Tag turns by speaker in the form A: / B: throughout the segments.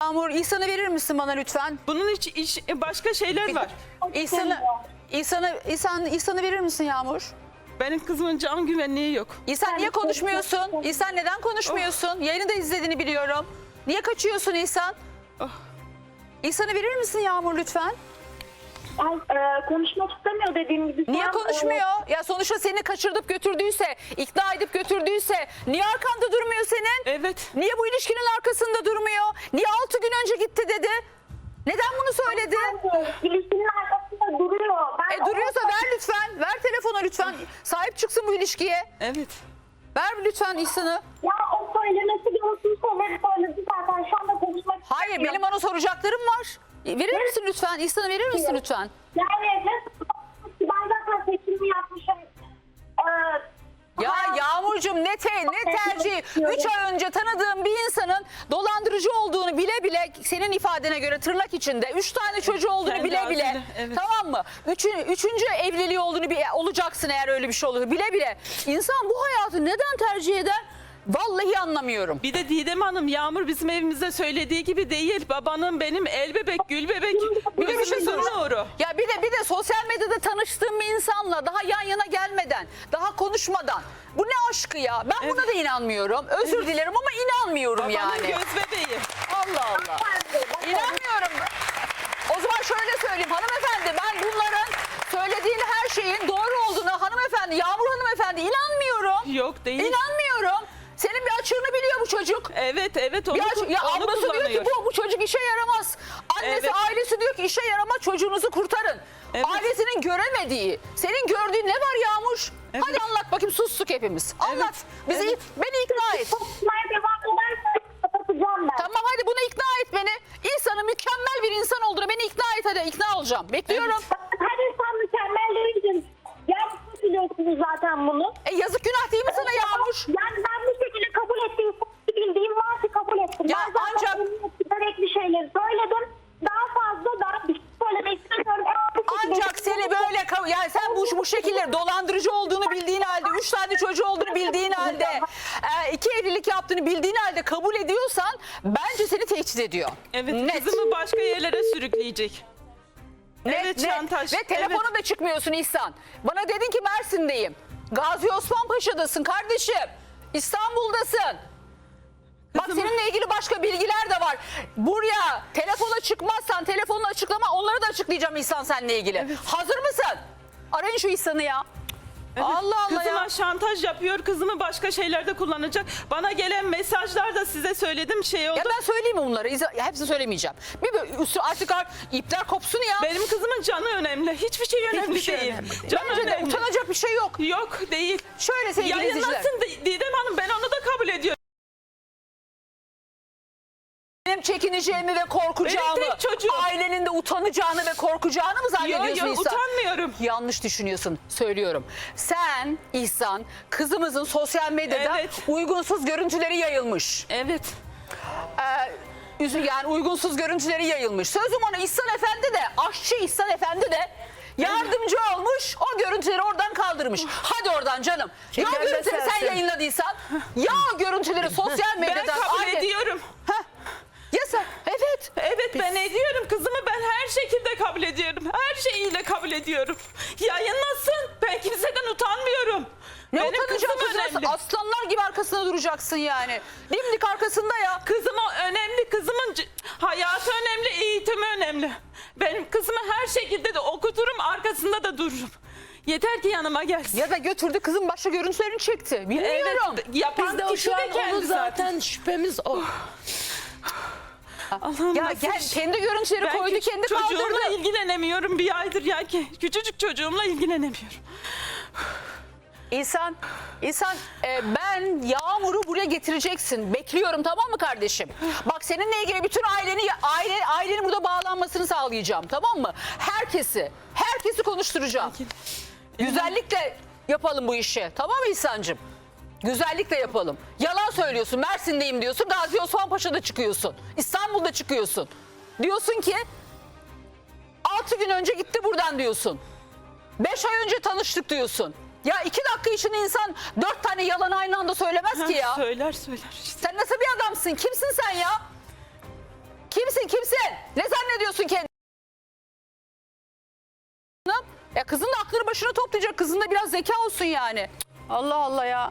A: Yağmur, İhsan'ı verir misin bana lütfen?
B: Bunun başka şeyler var.
A: İhsan'ı verir misin Yağmur?
B: Benim kızımın can güvenliği yok.
A: İhsan niye konuşmuyorsun? İhsan neden konuşmuyorsun? Yayını da izlediğini biliyorum. Niye kaçıyorsun İhsan? İhsan'ı verir misin Yağmur lütfen?
C: Konuşmak istemiyor dediğim gibi.
A: Niye konuşmuyor? Ya sonuçta seni kaçırdıp götürdüyse, ikna edip götürdüyse niye arkanda durmuyor senin?
B: Evet.
A: Niye bu ilişkinin arkasında durmuyor? Niye 6 gün önce gitti dedi? Neden bunu söyledi?
C: İlişkinin arkasında duruyor.
A: Duruyorsa ver lütfen. Ver telefonu lütfen. Sahip çıksın bu ilişkiye.
B: Evet.
A: Ver lütfen İhsan'ı.
C: Ya o söylemesi gerektiği şeyleri söyledi zaten. Şu anda konuşmak
A: Hayır,
C: istemiyor.
A: benim ona soracaklarım var. Verir misin lütfen? İhsan'ı verir misin lütfen?
C: Yani ben zaten seçimimi yapmışım.
A: Ya Yağmurcuğum ne tercih? 3 ay önce tanıdığım bir insanın dolandırıcı olduğunu bile bile, senin ifadene göre tırnak içinde 3 tane çocuğu olduğunu
B: Kendi
A: bile bile,
B: ağzıyla, evet.
A: tamam mı? Üçüncü evliliği olduğunu olacaksın eğer öyle bir şey olur. Bile bile insan bu hayatı neden tercih eder? Vallahi anlamıyorum.
B: Bir de Didem Hanım, Yağmur bizim evimizde söylediği gibi değil. Babanın benim el bebek, gül bebek.
A: Bir de bir şey
B: Gözümüzün
A: soracağım.
B: nuru.
A: Ya bir de sosyal medyada tanıştığım bir insanla daha yan yana gelmeden, daha konuşmadan. Bu ne aşkı ya? Ben buna da inanmıyorum. Özür dilerim ama inanmıyorum
B: Babanın
A: yani.
B: göz bebeği.
A: Allah Allah. İnanmıyorum. O zaman şöyle söyleyeyim hanımefendi, ben bunların söylediğin her şeyin doğru olduğuna hanımefendi, Yağmur hanımefendi inanmıyorum.
B: Yok değil.
A: İnanmıyorum. Senin bir açığını biliyor bu çocuk.
B: Evet onu,
A: Ya
B: onu
A: ablası diyor ki
B: kullanıyor.
A: bu çocuk işe yaramaz. Annesi
B: Evet.
A: ailesi diyor ki işe yaramaz, çocuğunuzu kurtarın.
B: Evet.
A: Ailesinin göremediği, senin gördüğün ne var Yağmur?
B: Evet.
A: Hadi anlat bakayım, sustuk hepimiz. Anlat.
B: Evet.
A: Beni ikna et.
C: Konuşmaya devam edersen kapatacağım ben.
A: Tamam hadi bunu ikna et beni. İnsanın mükemmel bir insan olduğunu beni ikna et, hadi ikna olacağım. Bekliyorum.
C: Her insan mükemmel değildir. Gerçekten biliyorsunuz zaten bunu.
A: Yazık günah değil mi sana Yağmur?
C: Yani ben bu şekilde kabul ettiğim, bildiğim varsa kabul ettim.
A: Ya
C: Ben zaten
A: ancak-
C: gerekli şeyleri söyledim. Daha fazla bir şey söylemek istemiyorum.
A: Ancak seni böyle yani sen bu şekilde dolandırıcı olduğunu bildiğin halde, 3 tane çocuğu olduğunu bildiğin halde, 2 evlilik yaptığını bildiğin halde kabul ediyorsan bence seni tehdit ediyor.
B: Evet,
A: Net.
B: kızımı başka yerlere sürükleyecek. Evet,
A: Net.
B: şantaj.
A: Ve telefona da çıkmıyorsun İhsan. Bana dedin ki Mersin'deyim. Gazi Osman Paşa'dasın kardeşim. İstanbul'dasın. Bak
B: Kızım-
A: seninle ilgili başka bilgiler de var. Buraya telefona çıkmazsan telefonla açıklama, onları da açıklayacağım İhsan seninle ilgili.
B: Evet.
A: Hazır mısın? Arayın şu İhsan'ı ya.
B: Evet,
A: Allah Allah
B: kızıma
A: ya.
B: şantaj yapıyor, kızımı başka şeylerde kullanacak. Bana gelen mesajlar da size söyledim şey oldu.
A: Ya ben söyleyeyim mi bunları? Hepsini söylemeyeceğim. Bir böyle artık ipler kopsun ya.
B: Benim kızımın canı önemli. Hiçbir şey önemli
A: Hiçbir şey
B: değil.
A: önemli.
B: Canı
A: Bence de
B: önemli.
A: utanacak bir şey yok.
B: Yok değil.
A: Şöyle sevgili izleyiciler.
B: Yayınlasın Didem Hanım, ben onu da kabul ediyorum.
A: Benim çekineceğimi ve korkacağımı,
B: Benim tek çocuğum.
A: ailenin de utanacağını ve korkacağını mı zannediyorsun
B: Yok
A: İhsan?
B: utanmıyorum.
A: Yanlış düşünüyorsun, söylüyorum. Sen İhsan, kızımızın sosyal medyada
B: Evet.
A: uygunsuz görüntüleri yayılmış.
B: Evet.
A: Yani uygunsuz görüntüleri yayılmış. Sözüm ona, İhsan Efendi de, aşçı İhsan Efendi de yardımcı olmuş, o görüntüleri oradan kaldırmış. Hadi oradan canım. Ya o
D: Şekerle
A: görüntüleri sen
D: sersin.
A: yayınladıysan, ya o görüntüleri sosyal
B: Ben
A: medyadan...
B: kabul
A: aile-
B: ediyorum.
A: Heh. Ya sen, evet.
B: Evet ben ediyorum. Kızımı ben her şekilde kabul ediyorum. Her şeyiyle kabul ediyorum. Yayınlasın. Ben kimseden utanmıyorum.
A: Ne
B: Benim
A: utanacaksın
B: kızım
A: kızım?
B: önemli.
A: Aslanlar gibi arkasında duracaksın yani. Dimdik arkasında ya.
B: Kızım önemli. Kızımın hayatı önemli, eğitimi önemli. Benim kızımı her şekilde de okuturum, arkasında da dururum. Yeter ki yanıma gelsin.
A: Ya da götürdü kızın başka görüntülerini çekti. Bilmiyorum.
B: Evet, yapan
D: Biz de o
B: kişi
D: şu an
B: de
D: onu
B: kendi
D: zaten şüphemiz o.
B: Allah'ım
A: Ya
B: nasıl
A: gel,
B: bir şey?
A: kendi görüntüleri
B: Ben
A: koydu,
B: küçük
A: kendi
B: çocuğumla
A: kaldırdı.
B: ilgilenemiyorum bir aydır ya ki. Küçücük çocuğumla ilgilenemiyorum.
A: İhsan, ben Yağmur'u buraya getireceksin. Bekliyorum, tamam mı kardeşim? Bak seninle ilgili bütün ailenin burada bağlanmasını sağlayacağım, tamam mı? Herkesi konuşturacağım. Güzellikle yapalım bu işi, tamam mı İhsan'cığım? Güzellikle yapalım. Yalan söylüyorsun, Mersin'deyim diyorsun, Gazi Osman Paşa'da çıkıyorsun, İstanbul'da çıkıyorsun. Diyorsun ki 6 gün önce gitti buradan diyorsun. 5 ay önce tanıştık diyorsun. Ya 2 dakika için insan 4 tane yalan aynı anda söylemez ki ya.
B: Söyler işte.
A: Sen nasıl bir adamsın? Kimsin sen ya? Kim Kimsin? Ne zannediyorsun kendini? Ya kızın da aklını başına toplayacak. Kızın da biraz zeka olsun yani. Allah Allah ya.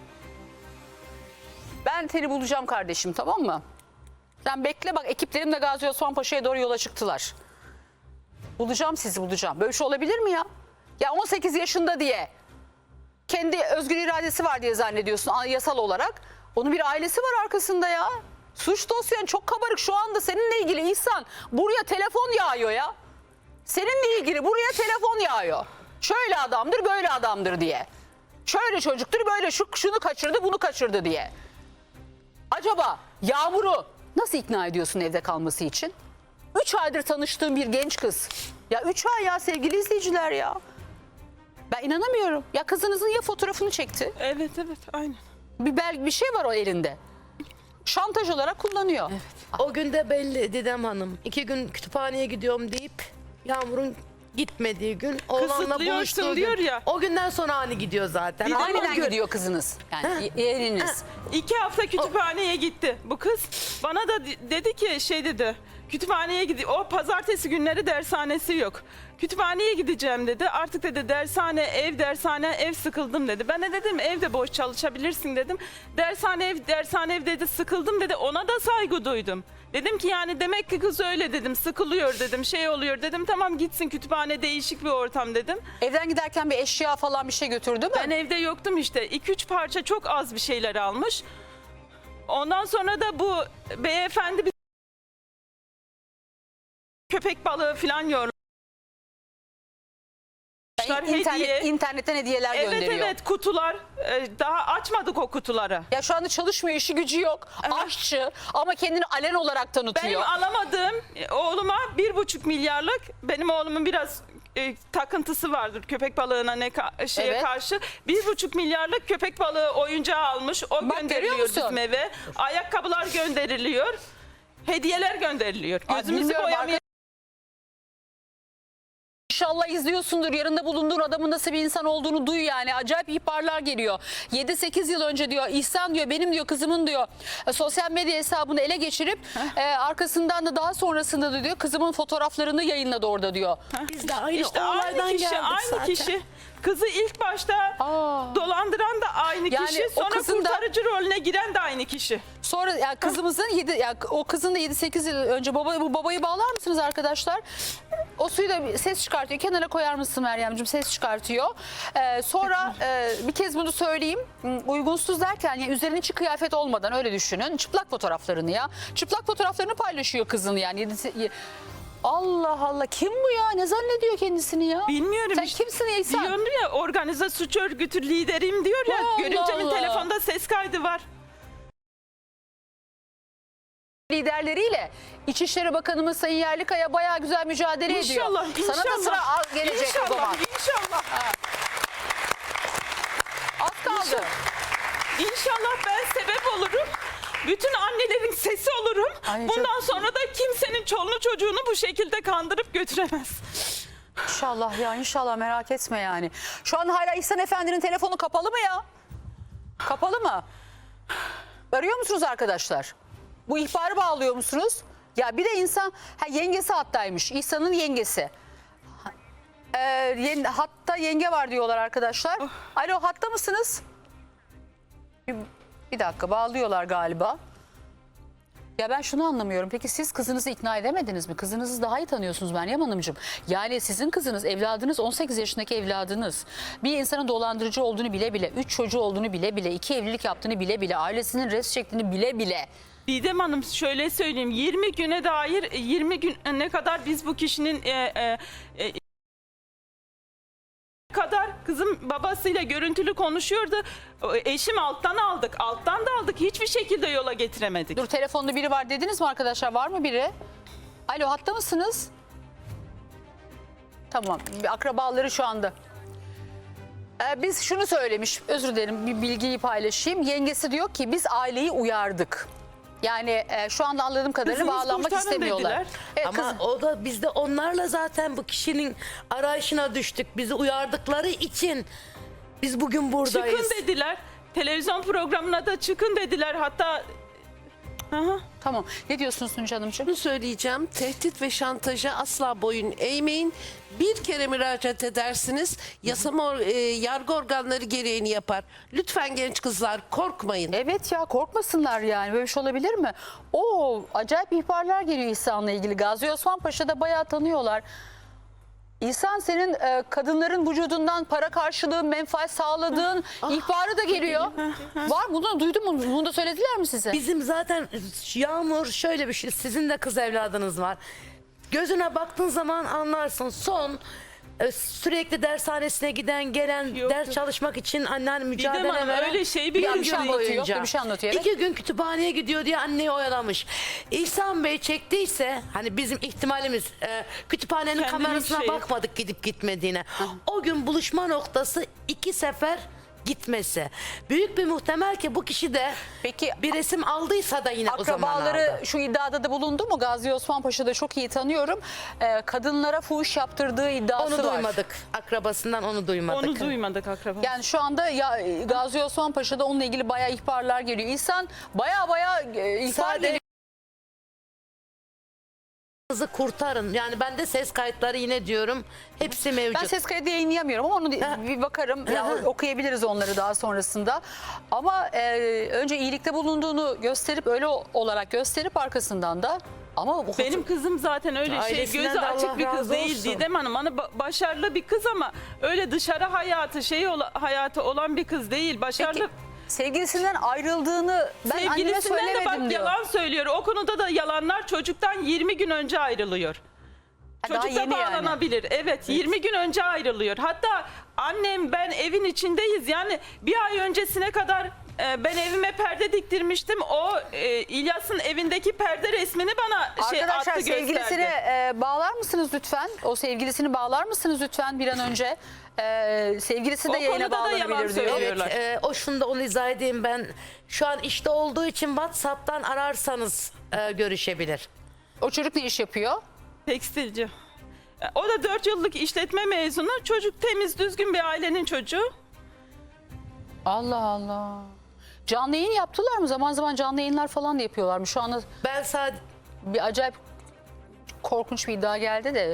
A: Ben seni bulacağım kardeşim, tamam mı? Sen bekle bak, ekiplerim de Gazi Osman Paşa'ya doğru yola çıktılar. Bulacağım sizi, bulacağım. Böyle şey olabilir mi ya? Ya 18 yaşında diye kendi özgür iradesi var diye zannediyorsun yasal olarak. Onun bir ailesi var arkasında ya. Suç dosyan çok kabarık şu anda seninle ilgili İhsan. Buraya telefon yağıyor ya. Seninle ilgili buraya telefon yağıyor. Şöyle adamdır, böyle adamdır diye. Şöyle çocuktur, böyle şunu kaçırdı, bunu kaçırdı diye. Acaba Yağmur'u nasıl ikna ediyorsun evde kalması için? 3 aydır tanıştığım bir genç kız. Ya 3 ay ya sevgili izleyiciler ya. Ben inanamıyorum. Ya kızınızın ya fotoğrafını çekti.
B: Evet aynen.
A: Bir şey var o elinde. Şantaj olarak kullanıyor.
D: O gün de belli Didem Hanım. 2 gün kütüphaneye gidiyorum deyip Yağmur'un gitmediği gün, oğlanla
B: Kısıtlıyorsun
D: buluştuğu
B: diyor
D: gün.
B: ya.
D: O günden sonra hani gidiyor zaten.
B: Bir de
D: Ama
A: Aniden
D: gün-
A: gidiyor kızınız. Yani yeğeniniz.
B: 2 hafta kütüphaneye gitti bu kız. Bana da dedi ki dedi. Kütüphaneye gidiyor. O pazartesi günleri dershanesi yok. Kütüphaneye gideceğim dedi. Artık dedi dershane ev sıkıldım dedi. Ben de dedim evde boş çalışabilirsin dedim. Dershane ev dedi, sıkıldım dedi. Ona da saygı duydum. Dedim ki yani demek ki kız öyle dedim, sıkılıyor dedim, şey oluyor dedim. Tamam gitsin, kütüphane değişik bir ortam dedim.
A: Evden giderken bir eşya falan bir şey götürdü mü?
B: Ben evde yoktum işte. 2-3 parça çok az bir şeyler almış. Ondan sonra da bu beyefendi bir köpek balığı falan yormuş.
A: İnternetten hediyeler gönderiyor.
B: Evet kutular. Daha açmadık o kutuları.
A: Ya şu anda çalışmıyor, işi gücü yok. Aşçı ama kendini alen olarak
B: Benim
A: tanıtıyor.
B: alamadığım oğluma 1,5 milyarlık, benim oğlumun biraz takıntısı vardır köpek balığına
A: Evet.
B: karşı. 1,5 milyarlık köpek balığı oyuncağı almış. O
A: Bak, görüyor
B: gönderiliyor
A: musun?
B: bizim eve. Ayakkabılar gönderiliyor. Hediyeler gönderiliyor.
A: Ay,
B: Gözümüzü
A: bilmiyorum,
B: boyamaya
A: İnşallah izliyorsundur. Yanında bulunduğun adamın nasıl bir insan olduğunu duy yani. Acayip ihbarlar geliyor. 7-8 yıl önce diyor İhsan diyor benim diyor kızımın diyor sosyal medya hesabını ele geçirip arkasından da daha sonrasında da diyor kızımın fotoğraflarını yayınladı orada diyor.
D: Biz de aynı
B: İşte
D: olaydan
B: aynı kişi,
D: geldik
B: aynı
D: zaten.
B: kişi. Kızı ilk başta dolandıran da aynı
A: Yani
B: kişi,
A: o
B: sonra
A: kızın da-
B: kurtarıcı rolüne giren de aynı kişi.
A: Sonra ya kızımızın o kızın da 7-8 yıl önce bu babayı bağlar mısınız arkadaşlar? O suyu da ses çıkartıyor. Kenara koyar mısın Meryemciğim? Ses çıkartıyor. Sonra bir kez bunu söyleyeyim. Uygunsuz derken yani üzerine hiç kıyafet olmadan öyle düşünün. Çıplak fotoğraflarını ya. Çıplak fotoğraflarını paylaşıyor kızın yani. Allah Allah kim bu ya? Ne zannediyor kendisini ya?
B: Bilmiyorum
A: Sen
B: işte.
A: kimsin İhsan?
B: Diyordu ya organize suç örgütü lideriyim diyor ya.
A: Allah
B: Görümcemin
A: Allah.
B: telefonda ses kaydı var.
A: Liderleriyle İçişleri Bakanımız Sayın Yerlikaya bayağı güzel mücadele
B: İnşallah,
A: ediyor. Sana da
B: inşallah.
A: sıra gelecek o zaman.
B: İnşallah.
A: Az kaldı.
B: İnşallah ben sebep olurum. Bütün annelerin sesi olurum.
A: Ay,
B: Bundan
A: çok-
B: sonra da kimsenin çoluğunu çocuğunu bu şekilde kandırıp götüremez.
A: İnşallah ya inşallah merak etme yani. Şu an hala İhsan Efendi'nin telefonu kapalı mı ya? Kapalı mı? Arıyor musunuz arkadaşlar? Bu ihbarı bağlıyor musunuz? Ya bir de insan yengesi hattaymış. İhsan'ın yengesi. Hatta yenge var diyorlar arkadaşlar. Alo hatta mısınız? Bir dakika bağlıyorlar galiba. Ya ben şunu anlamıyorum. Peki siz kızınızı ikna edemediniz mi? Kızınızı daha iyi tanıyorsunuz Meryem Hanımcığım. Yani sizin kızınız, evladınız 18 yaşındaki evladınız. Bir insanın dolandırıcı olduğunu bile bile, 3 çocuğu olduğunu bile bile, 2 evlilik yaptığını bile bile, ailesinin res çektiğini bile bile.
B: Didem Hanım şöyle söyleyeyim, 20 güne dair 20 gün ne kadar biz bu kişinin kadar kızım babasıyla görüntülü konuşuyordu. Eşim alttan aldık da aldık, hiçbir şekilde yola getiremedik.
A: Dur telefonda biri var dediniz mi arkadaşlar? Var mı biri? Alo hatta mısınız? Tamam bir akrabaları şu anda. Biz şunu söylemiş, özür dilerim bir bilgiyi paylaşayım. Yengesi diyor ki biz aileyi uyardık. Yani şu anda anladığım kadarıyla
B: Kızınız
A: bağlanmak
B: kurtarın
A: istemiyorlar.
B: dediler.
A: Evet,
D: Ama o da biz de onlarla zaten bu kişinin arayışına düştük. Bizi uyardıkları için biz bugün buradayız.
B: Çıkın dediler. Televizyon programına da çıkın dediler. Hatta Aha.
A: Tamam. Ne diyorsunuz Tunca Hanımcığım?
E: Şunu söyleyeceğim. Tehdit ve şantaja asla boyun eğmeyin. Bir kere müracaat edersiniz. Yargı organları gereğini yapar. Lütfen genç kızlar korkmayın.
A: Evet ya, korkmasınlar yani. Böyle bir şey olabilir mi? Oo, acayip ihbarlar geliyor İhsan'la ilgili. Gazi Osman Paşa'da bayağı tanıyorlar. İhsan, senin kadınların vücudundan para karşılığı menfaat sağladığın ihbarı da geliyor. Var, bunu duydun mu? Bunu da söylediler mi size?
D: Bizim zaten Yağmur şöyle bir şey, sizin de kız evladınız var. Gözüne baktığın zaman anlarsın. Sürekli dershanesine giden gelen
B: Yok,
D: ders
B: yok.
D: çalışmak için annen mücadele
B: Hanım,
D: veren
B: öyle şey
D: bir
B: bir
D: gün
A: şey anlatıyor, yok da bir şey anlatıyor, evet.
D: 2 gün kütüphaneye gidiyor diye anneyi oyalamış. İhsan Bey çektiyse, hani bizim ihtimalimiz kütüphanenin
B: Kendinin
D: kamerasına
B: şeyi.
D: bakmadık gidip gitmediğine. O gün buluşma noktası 2 sefer gitmesi. Büyük bir muhtemel ki bu kişi de
A: Peki,
D: bir resim aldıysa da yine o zaman
A: akrabaları
D: aldı.
A: şu iddiada da bulundu mu? Gazi Osman Paşa'da çok iyi tanıyorum. Kadınlara fuhuş yaptırdığı iddiası
D: Onu
A: var.
D: duymadık. Akrabasından onu duymadık.
B: Onu duymadık akraba.
A: Yani şu anda ya, Gazi Osman Paşa'da onunla ilgili bayağı ihbarlar geliyor. İhsan bayağı ihbar
D: Sadece
A: geliyor.
D: kızı kurtarın. Yani ben de ses kayıtları yine diyorum. Hepsi mevcut.
A: Ben ses kaydı yayınlayamıyorum ama onu bir bakarım. Ya, okuyabiliriz onları daha sonrasında. Ama önce iyilikte bulunduğunu gösterip, öyle olarak gösterip arkasından da, ama bu
B: Benim kızım zaten öyle
D: Ailesinden
B: gözü
D: de
B: açık
D: Allah
B: bir kız
D: razı
B: değil
D: olsun.
B: Didem Hanım. Hani başarılı bir kız ama öyle dışarı hayatı olan bir kız değil. Başarılı.
A: Peki, sevgilisinden ayrıldığını ben anneme
B: Sevgilisinden de
A: söylemedim
B: bak
A: diyor.
B: yalan söylüyor. O konuda da yalanlar, çocuktan 20 gün önce ayrılıyor.
A: Daha
B: Çocuk da
A: yeni yani.
B: bağlanabilir. Evet, 20 gün önce ayrılıyor. Hatta annem, ben evin içindeyiz. Yani bir ay öncesine kadar ben evime perde diktirmiştim. O İlyas'ın evindeki perde resmini bana
A: Arkadaşlar,
B: attı,
A: sevgilisini
B: gösterdi.
A: bağlar mısınız lütfen? O sevgilisini bağlar mısınız lütfen bir an önce? Sevgilisi de
B: O
A: yayına
B: konuda da yalan
A: bağlanabilir diyor.
B: söylüyor.
D: Evet, o şunu da onu izah edeyim ben. Şu an işte olduğu için WhatsApp'tan ararsanız görüşebilir.
A: O çocuk ne iş yapıyor?
B: Tekstilci. O da 4 yıllık işletme mezunu. Çocuk temiz, düzgün bir ailenin çocuğu.
A: Allah Allah. Canlı yayın yaptılar mı? Zaman zaman canlı yayınlar falan da yapıyorlar mı? Şu anda
D: Ben sadece
A: bir acayip korkunç bir iddia geldi de.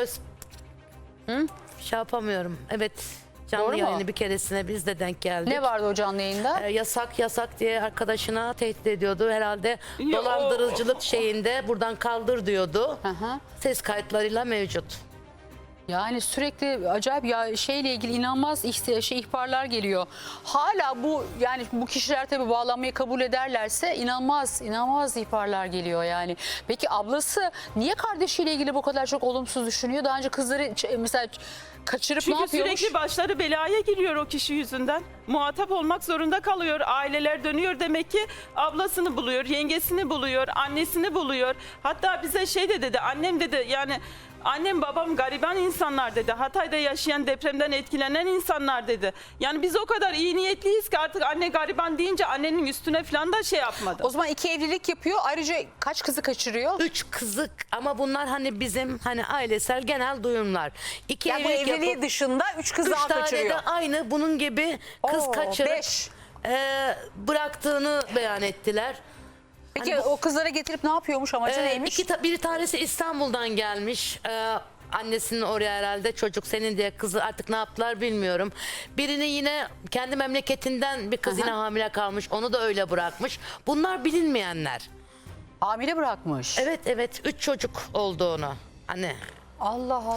D: şey yapamıyorum. Evet.
A: Doğru
D: Canlı
A: mu?
D: yayını bir keresine biz de denk geldik.
A: Ne vardı o canlı yayında?
D: Yasak diye arkadaşına tehdit ediyordu. Herhalde
B: Ya
D: dolandırıcılık şeyinde buradan kaldır diyordu.
A: Hı.
D: Ses kayıtlarıyla mevcut.
A: Yani sürekli acayip ya, şeyle ilgili inanılmaz ihbarlar geliyor. Hala bu kişiler tabii bağlanmayı kabul ederlerse inanılmaz ihbarlar geliyor yani. Peki ablası niye kardeşiyle ilgili bu kadar çok olumsuz düşünüyor? Daha önce kızları mesela kaçırıp ne
B: Çünkü
A: yapıyormuş?
B: sürekli başları belaya giriyor o kişi yüzünden. Muhatap olmak zorunda kalıyor. Aileler dönüyor, demek ki ablasını buluyor, yengesini buluyor, annesini buluyor. Hatta bize şey de dedi, annem dedi, yani annem babam gariban insanlar dedi. Hatay'da yaşayan, depremden etkilenen insanlar dedi. Yani biz o kadar iyi niyetliyiz ki artık anne gariban deyince annenin üstüne falan da şey yapmadı.
A: O zaman 2 evlilik yapıyor. Ayrıca kaç kızı kaçırıyor?
D: 3 kızık ama bunlar hani bizim hani ailesel genel duyumlar. 2
A: Yani bu
D: evlilik
A: evliliği
D: yapıp
A: dışında 3 kız
D: 3
A: daha
D: tane
A: kaçırıyor.
D: de aynı bunun gibi kız
A: Oo,
D: kaçırıp
A: 5.
D: Bıraktığını beyan ettiler.
A: Peki
D: Hani
A: o kızlara getirip ne yapıyormuş, amacı neymiş?
D: Bir tanesi İstanbul'dan gelmiş. Annesinin oraya herhalde çocuk senin diye, kızı artık ne yaptılar bilmiyorum. Birini yine kendi memleketinden bir kız yine hamile kalmış. Onu da öyle bırakmış. Bunlar bilinmeyenler.
A: Hamile bırakmış.
D: Evet 3 çocuk olduğunu. Hani
A: Allah Allah.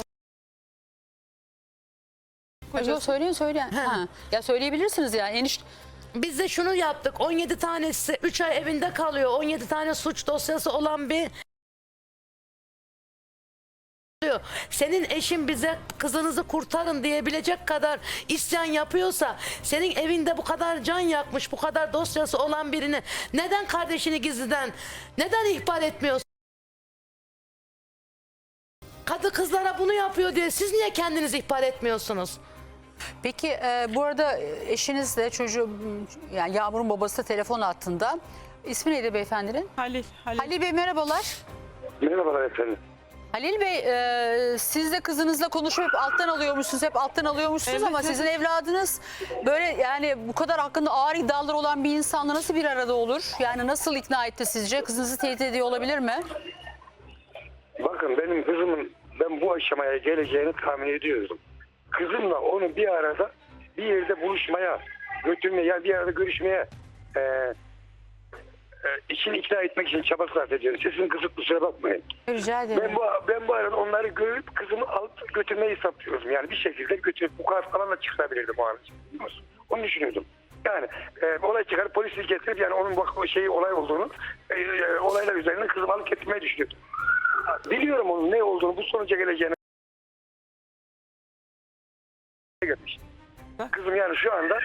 A: Yok, söyleyin. Ha. Ya söyleyebilirsiniz yani.
D: biz de şunu yaptık. 17 tanesi 3 ay evinde kalıyor. 17 tane suç dosyası olan bir senin eşin bize kızınızı kurtarın diyebilecek kadar isyan yapıyorsa, senin evinde bu kadar can yakmış, bu kadar dosyası olan birini neden kardeşini gizliden neden ihbar etmiyorsun? Kadı kızlara bunu yapıyor diye siz niye kendiniz ihbar etmiyorsunuz?
A: Peki bu arada eşiniz de yani Yağmur'un babası da telefon hattında. İsmi neydi beyefendinin?
B: Halil.
A: Halil Bey, merhabalar.
F: Merhabalar efendim.
A: Halil Bey siz de kızınızla konuşup hep alttan alıyormuşsunuz
B: Evet,
A: ama
B: evet.
A: sizin evladınız böyle yani bu kadar hakkında ağır iddialar olan bir insanla nasıl bir arada olur? Yani nasıl ikna etti sizce? Kızınızı tehdit ediyor olabilir mi?
F: Bakın benim kızımın ben bu aşamaya geleceğini tahmin ediyordum. Kızımla onu bir arada bir yerde buluşmaya götürmeye yani bir arada görüşmeye içini ikna etmek için çaba sarf ediyorum. Sesini kısıp kusura bakmayın.
A: Rica ederim.
F: Ben bu arada onları görüp kızımı alıp götürmeyi hesaplıyordum. Yani bir şekilde götürüp bu kadar falan da çıkartabilirdim o an. Onu düşünüyordum. Yani olay çıkar polisi getirip yani onun olay olduğunu olaylar üzerine kızımı alıp getirmeyi düşünüyordum. Biliyorum onun ne olduğunu bu sonuca geleceğini. Kızım yani şu anda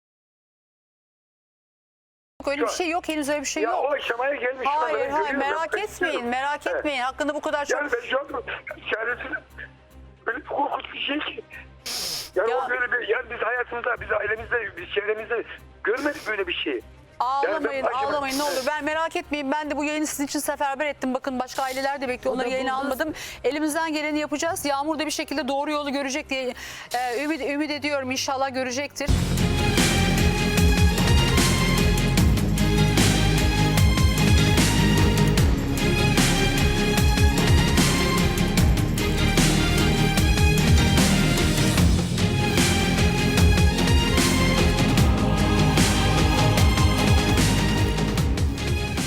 A: Öyle bir şey yok. Henüz öyle bir şey yok.
F: o aşamaya gelmiş.
A: Hayır
F: Ben
A: hayır
F: görüyorum,
A: merak
F: ben
A: etmeyin.
F: istiyorum.
A: Merak
F: Evet.
A: etmeyin. Hakkında bu kadar çok...
F: Yani ben şu anda çaresine böyle bir korkunç bir şey ki. Yani
A: Ya-
F: o böyle bir yani biz hayatımızda, biz ailemizde, biz çevremizde görmedik böyle bir şeyi.
A: Ağlamayın,
F: Yani ben-
A: ağlamayın ne olur. Ben merak etmeyin. Ben de bu yayını sizin için seferber ettim. Bakın başka aileler de bekliyor. Onları yayına almadım. Elimizden geleni yapacağız. Yağmur da bir şekilde doğru yolu görecek diye ümit ediyorum. İnşallah görecektir.